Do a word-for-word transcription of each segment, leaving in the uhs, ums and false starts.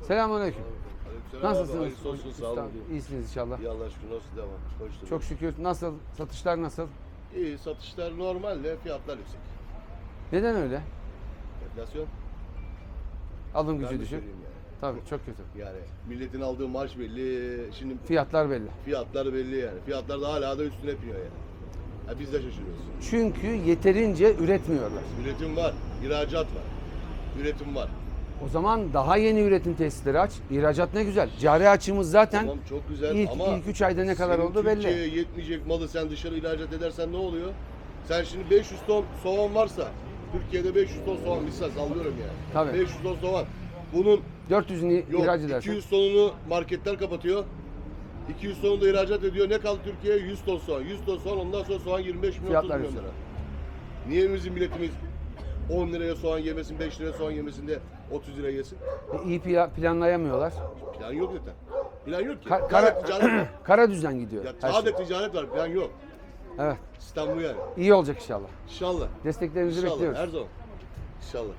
Selamünaleyküm. Aleykümselam abi, Nasılsınız? hayırlısı olsun, sağ olun. İyisiniz inşallah. İyi Allah'a şükür, nasıl devam? Koştur. Çok şükür. Nasıl? Satışlar nasıl? İyi, satışlar normal de fiyatlar yüksek. Neden öyle? Enflasyon. Alım Ben gücü de düşük. söyleyeyim yani. Tabii çok kötü. Yani milletin aldığı maaş belli, şimdi Fiyatlar belli. fiyatlar belli yani. Fiyatlar da hala da üstüne piniyor yani. Ya biz de şaşırıyoruz. Çünkü yeterince üretmiyorlar. Üretim var, ihracat var. Üretim var. O zaman daha yeni üretim tesisleri aç. İhracat ne güzel. Cari açığımız zaten Tamam çok güzel ilk, ama ilk üç ayda ne kadar senin oldu belli. Türkiye'ye yetmeyecek malı sen dışarı ihracat edersen ne oluyor? Sen şimdi beş yüz ton soğan varsa, Türkiye'de beş yüz ton soğan misal sallıyorum yani. Tabii. beş yüz ton soğan. Bunun dört yüzünü yok ihraç iki edersen. yüz tonunu marketler kapatıyor. iki yüz tonunu da ihracat ediyor. Ne kaldı Türkiye'ye? yüz ton soğan. yüz ton soğan, ondan sonra soğan yirmi beş milyon otuz Fiyatlar milyon yüksek. lira. Niye bizim milletimiz on liraya soğan yemesin, beş liraya soğan yemesin de otuz liraya yesin? E, İyi pla- planlayamıyorlar. Plan yok zaten. Plan yok ki. Ka- Sadece kara, ticaret var. kara düzen gidiyor. Ya her sadece şey. ticaret var, plan yok. Evet. İstanbul yani. İyi olacak inşallah. İnşallah. Desteklerinizi İnşallah. bekliyoruz. Her zaman. İnşallah.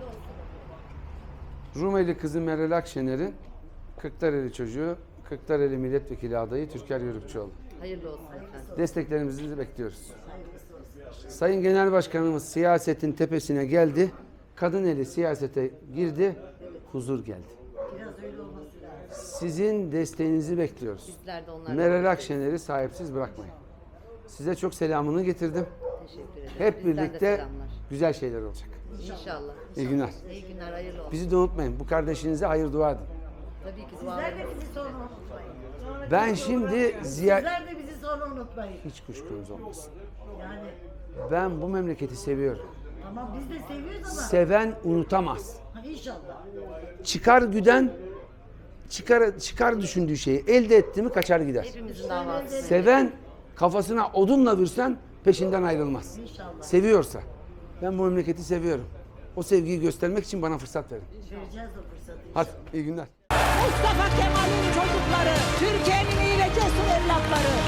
Rumeli kızı Meral Akşener'in Kırklareli çocuğu, Kırklareli milletvekili adayı Türker Yörükçüoğlu. Hayırlı olsun efendim. Desteklerimizi bekliyoruz. Sayın Genel Başkanımız siyasetin tepesine geldi. Kadın eli siyasete girdi. Huzur geldi. Biraz öyle olması lazım. Sizin desteğinizi bekliyoruz. Bizler de onlarla Meral Akşener'i sahipsiz bırakmayın. Size çok selamını getirdim. teşekkür ederim. Hep Bizden de birlikte selamlar. güzel şeyler olacak. İnşallah. İyi günler. İyi günler, hayırlı olsun. Bizi de unutmayın. Bu kardeşinize hayır dua edin. Tabii ki Sizler dualarım. de bizi sonra unutmayın. Sonraki Ben program- şimdi ziya... Sizler de bizi sonra unutmayın. Hiç kuşkunuz olmasın. Yani Ben bu memleketi seviyorum. tamam biz de seviyoruz ama Seven unutamaz. ha, inşallah. Çıkar güden çıkar çıkar düşündüğü şeyi elde etti mi kaçar gider. Hepimizin davası. Seven kafasına odunla vursan peşinden ayrılmaz. İnşallah. Seviyorsa. Ben bu memleketi seviyorum. O sevgiyi göstermek için bana fırsat verin. Vereceğiz o fırsatı. Hadi iyi günler. Mustafa Kemal'in çocukları, Türkiye'nin iyi ve cesur evlatları.